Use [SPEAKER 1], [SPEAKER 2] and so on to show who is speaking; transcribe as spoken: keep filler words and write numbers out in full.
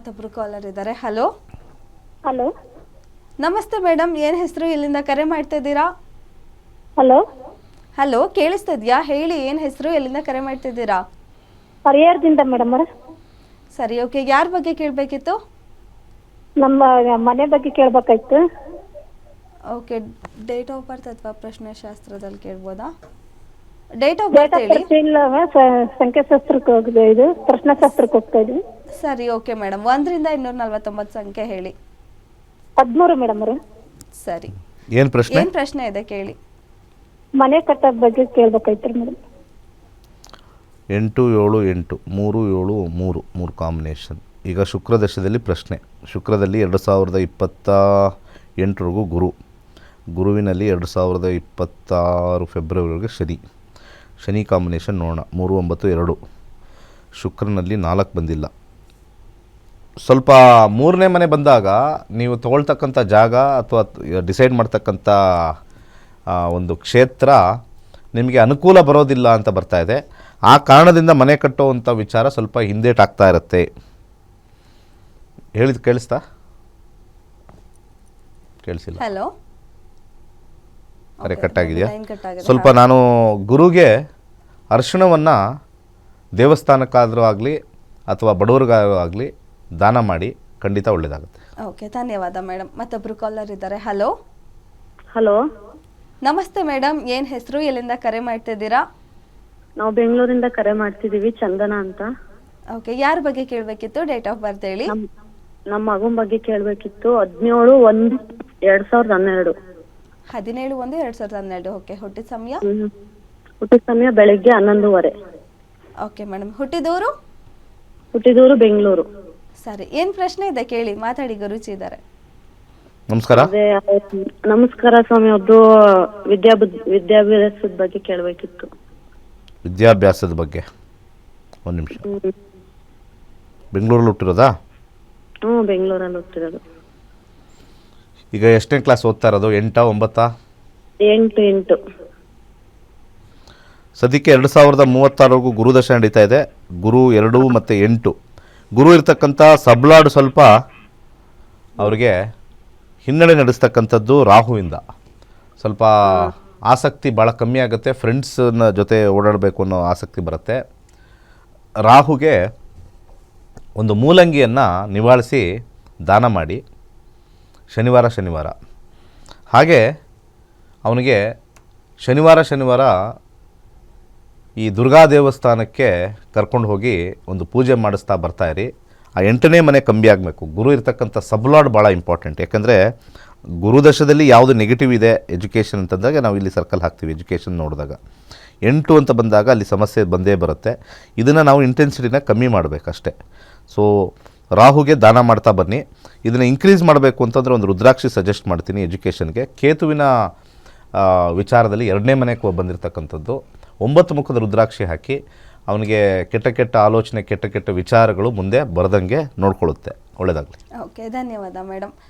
[SPEAKER 1] ಮತ್ತೊಬ್ರು ಕಾಲರ್ ಇದ್ದಾರೆ. Hello
[SPEAKER 2] hello
[SPEAKER 1] ನಮಸ್ತೆ ಮೇಡಮ್, ಏನು ಹೆಸರು, ಎಲ್ಲಿಂದ ಕರೆ ಮಾಡ್ತಾ ಇದ್ದೀರಾ?
[SPEAKER 2] ಹಲೋ
[SPEAKER 1] ಹಲೋ ಕೇಳಿಸ್ತಿದ್ಯಾ? ಹೇಳಿ, ಏನು ಹೆಸರು, ಎಲ್ಲಿಂದ ಕರೆ ಮಾಡ್ತಿದ್ದೀರಾ?
[SPEAKER 2] ಪರಿಹಾರದಿಂದ ಮೇಡಮ್ ಅವರ.
[SPEAKER 1] ಸರಿ, ಓಕೆ. ಯಾರ ಬಗ್ಗೆ ಕೇಳಬೇಕಿತ್ತು?
[SPEAKER 2] ನಮ್ಮ ಮನೆ ಬಗ್ಗೆ ಕೇಳಬೇಕಾಯ್ತು.
[SPEAKER 1] ಓಕೆ, ಡೇಟ್ ಆಫ್ ಬರ್ತ್ ಅಥವಾ ಪ್ರಶ್ನೆ ಶಾಸ್ತ್ರದಲ್ಲಿ ಕೇಳ್ಬೋದಾ? Date of
[SPEAKER 2] date
[SPEAKER 1] birth
[SPEAKER 2] of
[SPEAKER 1] ಹೇಳಿ.
[SPEAKER 2] ಬರ್ತ್ ಇಲ್ಲ, ಸಂಖ್ಯಾಶಾಸ್ತ್ರಕ್ಕೆ ಹೋಗಿದೆ, ಇದು ಪ್ರಶ್ನಾಶಾಸ್ತ್ರಕ್ಕೆ ಹೋಗ್ತಾ ಇದ್ವಿ.
[SPEAKER 1] ಸರಿ, ಓಕೆ ಮೇಡಮ್. ಒಂದರಿಂದ ಇನ್ನೂರ ನಲ್ವತ್ತೊಂಬತ್ತು ಸಂಖ್ಯೆ ಹೇಳಿ.
[SPEAKER 2] ಹದಿಮೂರು ಮೇಡಮ್ ಅವರು.
[SPEAKER 1] ಸರಿ,
[SPEAKER 3] ಏನು ಪ್ರಶ್ನೆ?
[SPEAKER 1] ಏನು ಪ್ರಶ್ನೆ ಇದೆ ಕೇಳಿ.
[SPEAKER 2] ಮನೆ ಕಟ್ಟೋದ್ ಬಗ್ಗೆ ಕೇಳ್ಬೇಕಾಯ್ತು ಮೇಡಮ್.
[SPEAKER 3] ಎಂಟು ಏಳು ಎಂಟು ಮೂರು ಏಳು ಮೂರು ಮೂರು ಕಾಂಬಿನೇಷನ್. ಈಗ ಶುಕ್ರದಶದಲ್ಲಿ ಪ್ರಶ್ನೆ. ಶುಕ್ರದಲ್ಲಿ ಎರಡು ಸಾವಿರದ ಇಪ್ಪತ್ತ ಎಂಟರವರೆಗೂ ಗುರು, ಗುರುವಿನಲ್ಲಿ ಎರಡು ಸಾವಿರದ ಇಪ್ಪತ್ತಾರು ಫೆಬ್ರವರಿವರೆಗೆ ಶನಿ. ಶನಿ ಕಾಂಬಿನೇಷನ್ ನೋಡೋಣ. ಮೂರು ಒಂಬತ್ತು ಎರಡು. ಶುಕ್ರನಲ್ಲಿ ನಾಲ್ಕು ಬಂದಿಲ್ಲ. ಸ್ವಲ್ಪ ಮೂರನೇ ಮನೆ ಬಂದಾಗ ನೀವು ತೊಗೊಳ್ತಕ್ಕಂಥ ಜಾಗ ಅಥವಾ ಡಿಸೈಡ್ ಮಾಡ್ತಕ್ಕಂಥ ಒಂದು ಕ್ಷೇತ್ರ ನಿಮಗೆ ಅನುಕೂಲ ಬರೋದಿಲ್ಲ ಅಂತ ಬರ್ತಾ ಇದೆ. ಆ ಕಾರಣದಿಂದ ಮನೆ ಕಟ್ಟುವಂಥ ವಿಚಾರ ಸ್ವಲ್ಪ ಹಿಂದೇಟಾಗ್ತಾ ಇರುತ್ತೆ. ಹೇಳಿದ ಕೇಳಿಸ್ತಾ? ಕೇಳಿಸಿಲ್ಲ.
[SPEAKER 1] ಹಲೋ,
[SPEAKER 3] ಕರೆ ಕಟ್ಟಾಗಿದೆಯಾ?
[SPEAKER 1] ಲೈನ್ ಕಟ್ಟಾಗಿದೆ.
[SPEAKER 3] ಸ್ವಲ್ಪ ನಾನು ಗುರುಗೆ ಅರಿಶಿಣವನ್ನು ದೇವಸ್ಥಾನಕ್ಕಾದರೂ ಆಗಲಿ ಅಥವಾ ಬಡವರಿಗಾದರೂ ಆಗಲಿ ದಾನ ಮಾಡಿ, ಖಂಡಿತ ಒಳ್ಳೆಯದಾಗುತ್ತೆ.
[SPEAKER 1] ಓಕೆ, ಧನ್ಯವಾದ ಮೇಡಮ್. ಮತ್ತೊಬ್ರು ಕಾಲರ್ ಇದ್ದಾರೆ. ಹಲೋ
[SPEAKER 4] ಹಲೋ
[SPEAKER 1] ನಮಸ್ತೆ ಮೇಡಮ್, ಏನು ಹೆಸರು, ಎಲ್ಲಿಂದ ಕರೆ ಮಾಡ್ತಿದ್ದೀರಾ?
[SPEAKER 4] ನಾವು ಬೆಂಗಳೂರಿಂದ ಕರೆ ಮಾಡ್ತಿದೀವಿ, ಚಂದನ ಅಂತ.
[SPEAKER 1] ಓಕೆ, ಯಾರ ಬಗ್ಗೆ ಕೇಳಬೇಕಿತ್ತು? ಡೇಟ್ ಆಫ್ ಬರ್ತ್ ಹೇಳಿ.
[SPEAKER 4] ನಮ್ ನಮ್ಮ ಮಗನ ಬಗ್ಗೆ ಕೇಳಬೇಕಿತ್ತು. ಹದಿನೇಳು ಒಂದು ಎರಡ್ ಸಾವಿರದ ಹನ್ನೆರಡು.
[SPEAKER 1] ಹದಿನೇಳು ಒಂದು ಎರಡು ಸಾವಿರದ ಹನ್ನೆರಡು. ಓಕೆ, ಹುಟ್ಟಿದ ಸಮಯ?
[SPEAKER 4] ಹ್ಮ್ ಹುಟ್ಟಿದ ಸಮಯ ಬೆಳಗ್ಗೆ ಹನ್ನೊಂದುವರೆ.
[SPEAKER 1] ಓಕೆ ಮೇಡಮ್, ಹುಟ್ಟಿದವರು?
[SPEAKER 4] ಹುಟ್ಟಿದೂರು ಬೆಂಗಳೂರು.
[SPEAKER 1] ಸರಿ, ಏನು ಪ್ರಶ್ನೆ ಇದೆ ಕೇಳಿ, ಮಾತಾಡಿ, ಗುರುಜಿ ಇದ್ದಾರೆ.
[SPEAKER 3] ನಮಸ್ಕಾರ.
[SPEAKER 4] ಅದೇ ನಮಸ್ಕಾರ ಸ್ವಾಮಿ, ಅವ್ರದ್ದು ವಿದ್ಯಾಭ್ ವಿದ್ಯಾಭ್ಯಾಸದ ಬಗ್ಗೆ ಕೇಳಬೇಕಿತ್ತು.
[SPEAKER 3] ವಿದ್ಯಾಭ್ಯಾಸದ ಬಗ್ಗೆ ಒಂದು ನಿಮಿಷ. ಬೆಂಗಳೂರಲ್ಲಿ ಹುಟ್ಟಿರೋದಾ?
[SPEAKER 4] ಹ್ಞೂ ಬೆಂಗಳೂರಲ್ಲಿ ಹುಟ್ಟಿರೋದು.
[SPEAKER 3] ಈಗ ಎಷ್ಟನೇ ಕ್ಲಾಸ್ ಓದ್ತಾ ಇರೋದು? ಎಂಟಾ ಒಂಬತ್ತಾ?
[SPEAKER 4] ಎಂಟು ಎಂಟು.
[SPEAKER 3] ಸದ್ಯಕ್ಕೆ ಎರಡು ಸಾವಿರದ ಮೂವತ್ತಾರವರೆಗೂ ಗುರುದಶ ನಡೀತಾ ಇದೆ. ಗುರು ಎರಡು ಮತ್ತು ಎಂಟು. ಗುರು ಇರ್ತಕ್ಕಂಥ ಸಬ್ಲಾಡು ಸ್ವಲ್ಪ ಅವ್ರಿಗೆ ಹಿನ್ನಡೆ ನಡೆಸ್ತಕ್ಕಂಥದ್ದು ರಾಹುವಿಂದ. ಸ್ವಲ್ಪ ಆಸಕ್ತಿ ಭಾಳ ಕಮ್ಮಿ ಆಗುತ್ತೆ. ಫ್ರೆಂಡ್ಸನ್ನ ಜೊತೆ ಓಡಾಡಬೇಕು ಅನ್ನೋ ಆಸಕ್ತಿ ಬರುತ್ತೆ. ರಾಹುಗೆ ಒಂದು ಮೂಲಂಗಿಯನ್ನು ನಿವಾಳಿಸಿ ದಾನ ಮಾಡಿ, ಶನಿವಾರ ಶನಿವಾರ ಹಾಗೆ ಅವನಿಗೆ ಶನಿವಾರ ಶನಿವಾರ ಈ ದುರ್ಗಾ ದೇವಸ್ಥಾನಕ್ಕೆ ಕರ್ಕೊಂಡು ಹೋಗಿ ಒಂದು ಪೂಜೆ ಮಾಡಿಸ್ತಾ ಬರ್ತಾಯಿರಿ. ಆ ಎಂಟನೇ ಮನೆ ಕಮ್ಮಿ ಆಗಬೇಕು. ಗುರು ಇರ್ತಕ್ಕಂಥ ಸಬ್ಲಾಡ್ ಭಾಳ ಇಂಪಾರ್ಟೆಂಟ್. ಯಾಕಂದರೆ ಗುರುದಶದಲ್ಲಿ ಯಾವುದು ನೆಗೆಟಿವ್ ಇದೆ ಎಜುಕೇಷನ್ ಅಂತಂದಾಗ ನಾವು ಇಲ್ಲಿ ಸರ್ಕಲ್ ಹಾಕ್ತೀವಿ. ಎಜುಕೇಷನ್ ನೋಡಿದಾಗ ಎಂಟು ಅಂತ ಬಂದಾಗ ಅಲ್ಲಿ ಸಮಸ್ಯೆ ಬಂದೇ ಬರುತ್ತೆ. ಇದನ್ನು ನಾವು ಇಂಟೆನ್ಸಿಟಿನ ಕಮ್ಮಿ ಮಾಡಬೇಕಷ್ಟೆ. ಸೊ ರಾಹುಗೆ ದಾನ ಮಾಡ್ತಾ ಬನ್ನಿ. ಇದನ್ನು ಇನ್ಕ್ರೀಸ್ ಮಾಡಬೇಕು ಅಂತಂದರೆ ಒಂದು ರುದ್ರಾಕ್ಷಿ ಸಜೆಸ್ಟ್ ಮಾಡ್ತೀನಿ ಎಜುಕೇಷನ್ಗೆ. ಕೇತುವಿನ ವಿಚಾರದಲ್ಲಿ ಎರಡನೇ ಮನೆಗೆ ಬಂದಿರತಕ್ಕಂಥದ್ದು ಒಂಬತ್ತು ಮುಖದ ರುದ್ರಾಕ್ಷಿ ಹಾಕಿ ಅವನಿಗೆ ಕೆಟ್ಟ ಕೆಟ್ಟ ಆಲೋಚನೆ, ಕೆಟ್ಟ ಕೆಟ್ಟ ವಿಚಾರಗಳು ಮುಂದೆ ಬರದಂಗೆ ನೋಡ್ಕೊಳ್ಳುತ್ತೆ. ಒಳ್ಳೆಯದಾಗಲಿ.
[SPEAKER 1] ಓಕೆ, ಧನ್ಯವಾದ ಮೇಡಮ್.